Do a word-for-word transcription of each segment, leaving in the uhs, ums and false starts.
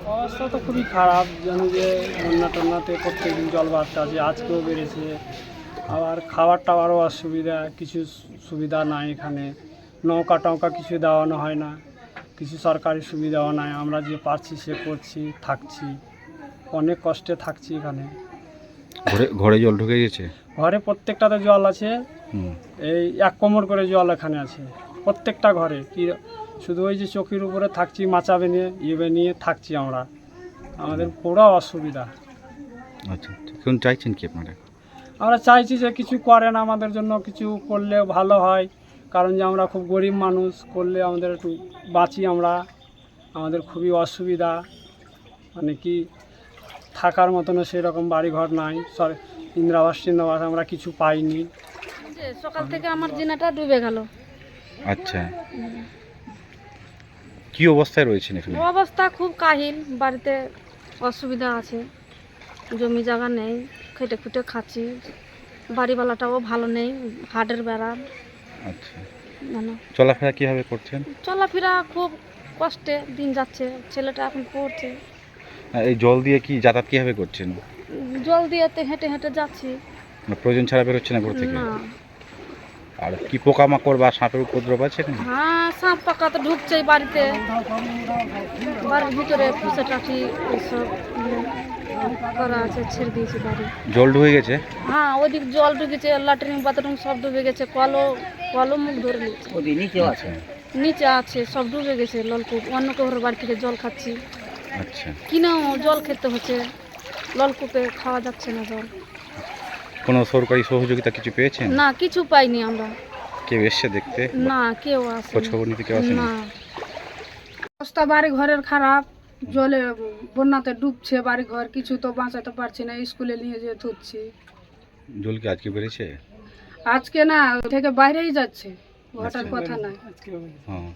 অবস্থা তো খুবই খারাপ, জানি যে বন্যা টন্যাতে প্রত্যেকদিন জল বাড়তে আছে, আজকেও বেড়েছে। আবার খাবার টাবারও অসুবিধা, কিছু সুবিধা নাই এখানে। নৌকা টৌকা কিছু দেওয়ানো হয় না, কিছু সরকারি সুবিধাও নাই। আমরা যে পারছি সে করছি, থাকছি, অনেক কষ্টে থাকছি এখানে। ঘরে ঘরে জল ঢুকে গেছে? ঘরে প্রত্যেকটাতে জল আছে, হুম। এই এক কোমর করে জল এখানে আছে প্রত্যেকটা ঘরে। কি শুধু ওই যে চোখের উপরে থাকছি, মাচাবে নিয়ে ইয়ে নিয়ে থাকছি আমরা, আমাদের পুরো অসুবিধা। আচ্ছা, এখন চাইছেন কি আপনারা? আমরা চাইছি যে কিছু করেন আমাদের জন্য, কিছু করলে ভালো হয়। কারণ যে আমরা খুব গরিব মানুষ, করলে আমাদের একটু বাঁচি আমরা। আমাদের খুবই অসুবিধা, মানে কি থাকার মতনও সেরকম বাড়িঘর নাই, সর ইন্দিরাবাস টিন্দিরাবাস আমরা কিছু পাইনি। যে সকাল থেকে আমার জিনাটা ডুবে গেল। আচ্ছা, কি অবস্থায় রয়েছেন এখানে? অবস্থা খুব কাহিল, বাড়িতে অসুবিধা আছে, জমি জায়গা নেই, খেটে খুটে খাচ্ছি, বাড়িওয়ালাটাও ভালো নেই, হাটের বেড়া। আচ্ছা, জানো চলাফেরা কিভাবে করছেন? চলাফেরা খুব কষ্টে দিন যাচ্ছে, ছেলেটা এখন পড়ছে। আর এই জল দিয়ে কি যাতায়াত কিভাবে করছেন? জল দিয়েতে হেঁটে হেঁটে যাচ্ছি। মানে প্রয়োজন ছাড়া বেরোচ্ছে না ঘর থেকে? না, আর কি পোকামাকড় বা সাপের উপদ্রব আছে এখানে? হ্যাঁ সাপ পাকা তো ঢুকছেই বাড়িতে, বাড়ির ভিতরে ফুসে টাকি এইসব ইয়ে করা আছে, ছেড়ে দিয়েছি বাড়ি। জল ঢুকে গেছে? হ্যাঁ ওইদিক জল ঢুকেছে, ল্যাট্রিন বাথরুম সব ডুবে গেছে, কলও কলও মুখ ধরে নিচ্ছে, আচ্ছা নিচে আছে সব ডুবে গেছে। নলকূপ অন্য কারোর বাড়ি থেকে জল খাচ্ছি, আচ্ছা। কিনেও জল খেতে হচ্ছে, নলকূপে খাওয়া যাচ্ছে না জল। কোনো সরকারি সহযোগিতা কিছু পেয়েছেন? না, কিছু পাইনি আমরা। কেউ এসছে দেখতে? না, কেউ আসে খোঁজ খবর নিতে কেউ আসেনি? না। অবস্থা বাড়ি ঘরের খারাপ, জলে বন্যাতে ডুবছে বাড়ি ঘর, কিছু তো বাঁচাতে পারছি না, স্কুলে নিয়ে যেয়ে ধুচ্ছি। জল কি আজকে বেড়েছে? আজকে না, থেকে বাইরেই যাচ্ছে, ঘটার কথা না। হ্যাঁ,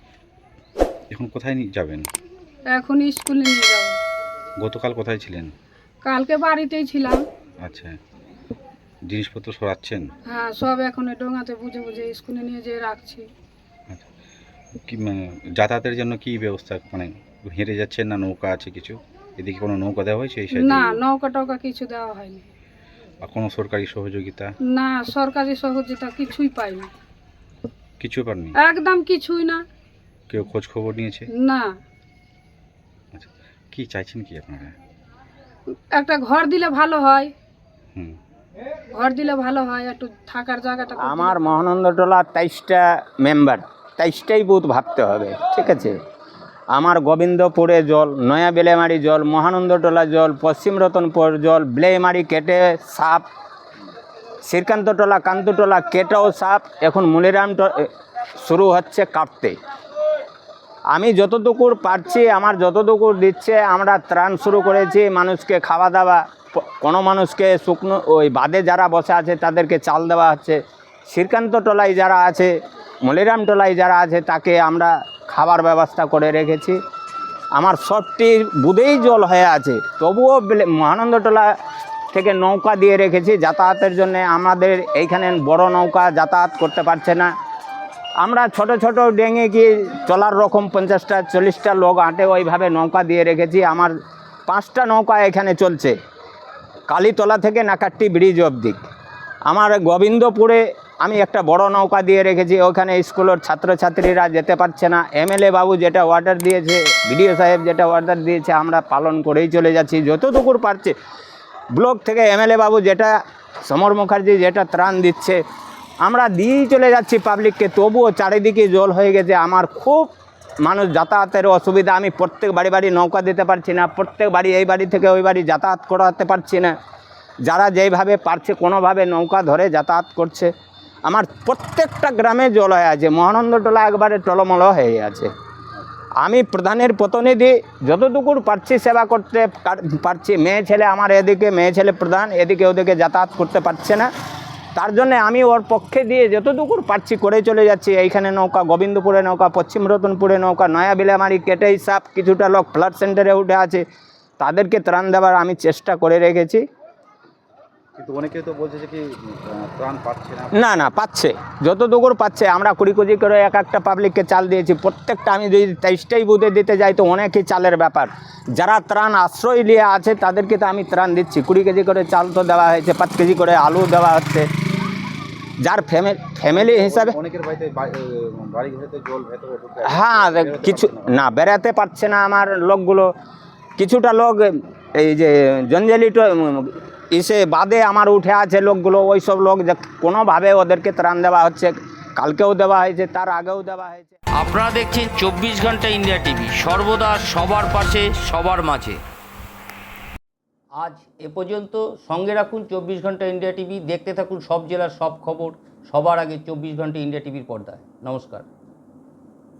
এখন কোথায় নিয়ে যাবেন? এখন স্কুলে নিয়ে যাবো। গতকাল কোথায় ছিলেন? কালকে বাড়িতেই ছিলাম। আচ্ছা, জিনিসপত্র সরাচ্ছেন? হ্যাঁ, সব এখন ওই ডোঙাতে বুঝে বুঝে স্কুলে নিয়ে যেয়ে রাখছি। আচ্ছা, কি মানে যাতায়াতের জন্য কি ব্যবস্থা, মানে হেঁটে যাচ্ছেন না নৌকা আছে কিছু? এদিকে কোনো নৌকা দেওয়া হয়েছে এই সাইডে? না, নৌকা টৌকা কিছু দেওয়া হয়নি। আর কোনো সরকারি সহযোগিতা? না, সরকারি সহযোগিতা কিছুই পাইনি, কিছু পাননি? একদম কিছুই না। কেউ খোঁজ খবর নিয়েছে? না, আচ্ছা, কি চাইছেন কি আপনারা? একটা ঘর দিলে ভালো হয়, হুম। ঘর দিলে ভালো হয়, একটু থাকার জায়গাটা করে আমার দিলে- মহানন্দটোলা তেইশটা মেম্বার, তেইশটাই বুথ ভাবতে হবে, ঠিক আছে? আমার গোবিন্দপুরে জল, নয়া বেলেমারি জল, মহানন্দটোলা জল, পশ্চিম রতনপুর জল, বেলেমারি কেটে সাপ, শ্রীকান্তটোলা কান্তটোলা কেটেও সাপ, এখন মুলিরাম শুরু হচ্ছে কাটতে। আমি যতটুকু পারছি, আমার যতটুকু দিচ্ছে, আমরা ত্রাণ শুরু করেছি, মানুষকে খাওয়া দাওয়া, কোনো মানুষকে শুকনো ওই বাদে যারা বসে আছে তাদেরকে চাল দেওয়া হচ্ছে, শ্রীকান্ত টোলায় যারা আছে, মলিরাম টোলায় যারা আছে তাকে আমরা খাবার ব্যবস্থা করে রেখেছি। আমার সবটি বুধেই জল হয়ে আছে, তবুও মহানন্দটোলা থেকে নৌকা দিয়ে রেখেছি যাতায়াতের জন্য। আমাদের এইখানে বড় নৌকা যাতায়াত করতে পারছে না, আমরা ছোট ছোট ডেঙে গিয়ে চলার রকম পঞ্চাশটা চল্লিশটা লোক আটে ওইভাবে নৌকা দিয়ে রেখেছি। আমার পাঁচটা নৌকা এখানে চলছে, কালীতলা থেকে নাকাট্টি ব্রিজ অবধি। আমার গোবিন্দপুরে আমি একটা বড় নৌকা দিয়ে রেখেছি, ওখানে স্কুলের ছাত্রছাত্রীরা যেতে পারছে না। এমএলএ বাবু যেটা অর্ডার দিয়েছে, বিডিও সাহেব যেটা অর্ডার দিয়েছে, আমরা পালন করেই চলে যাচ্ছি যতটুকু পারছে। ব্লক থেকে এমএলএ বাবু যেটা, সমর মুখার্জি যেটা ত্রাণ দিচ্ছে, আমরা দিয়েই চলে যাচ্ছি পাবলিককে, তবুও চারিদিকে জল হয়ে গেছে। আমার খুব মানুষ যাতায়াতের অসুবিধা, আমি প্রত্যেক বাড়ি বাড়ি নৌকা দিতে পারছি না, প্রত্যেক বাড়ি এই বাড়ি থেকে ওই বাড়ি যাতায়াত করাতে পারছি না। যারা যেইভাবে পারছে কোনোভাবে নৌকা ধরে যাতায়াত করছে। আমার প্রত্যেকটা গ্রামে জল হয়ে আছে, মহানন্দটোলা একবারে টলমল হয়ে আছে। আমি প্রধানের প্রতিনিধি, যতটুকু পারছি সেবা করতে পারছি। মেয়ে ছেলে আমার এদিকে, মেয়ে ছেলে প্রধান এদিকে ওদিকে যাতায়াত করতে পারছে না, তার জন্য আমি ওর পক্ষে দিয়ে যতটুকু পারছি করে চলে যাচ্ছি। এইখানে নৌকা, গোবিন্দপুরে নৌকা, পশ্চিম রতনপুরে নৌকা, নয়া বেলেমারি কেটেই সাপ, কিছুটা লোক ফ্লাড সেন্টারে উঠে আছে, তাদেরকে ত্রাণ দেওয়ার আমি চেষ্টা করে রেখেছি। কিন্তু অনেকে তো বলছে যে কি আহ, ত্রাণ পাচ্ছে না। না না পাচ্ছে, যত দুগুর পাচ্ছে। আমরা কুড়ি কেজি করে এক একটা পাবলিককে চাল দিয়েছি। প্রত্যেকটা আমি যদি তেইশটাই বুথে দিতে যাই তো অনেকই চালের ব্যাপার। যারা ত্রাণ আশ্রয় নিয়ে আছে তাদেরকে তো আমি ত্রাণ দিচ্ছি। কুড়ি কেজি করে চাল তো দেওয়া হয়েছে, পাঁচ কেজি করে আলু দেওয়া হচ্ছে। যার ফ্যামিলি ফ্যামিলি হিসাবে অনেকের বাড়িতে বা- এ, বাড়ি ঘরেতে জল ভেতরে ঢুকে আছে। হ্যাঁ বেরোতে কিছু পারছে না। না বেড়াতে পারছে না আমার লোকগুলো। কিছুটা লোক এই যে জঞ্জালি ইসে বাদে আমার উঠে আছে লোকগুলো, ওই সব লোক যে কোনোভাবে ওদেরকে ত্রাণ দেওয়া হচ্ছে। কালকেও দেওয়া হয়েছে, তার আগেও দেওয়া হয়েছে। আপনারা দেখছেন চব্বিশ ঘন্টা ইন্ডিয়া টিভি, সর্বদা সবার পাশে সবার মাঝে। আজ এ পর্যন্ত। সঙ্গে রাখুন চব্বিশ ঘন্টা ইন্ডিয়া টিভি। দেখতে থাকুন সব জেলার সব খবর সবার আগে চব্বিশ ঘন্টা ইন্ডিয়া টিভির পর্দায়। নমস্কার।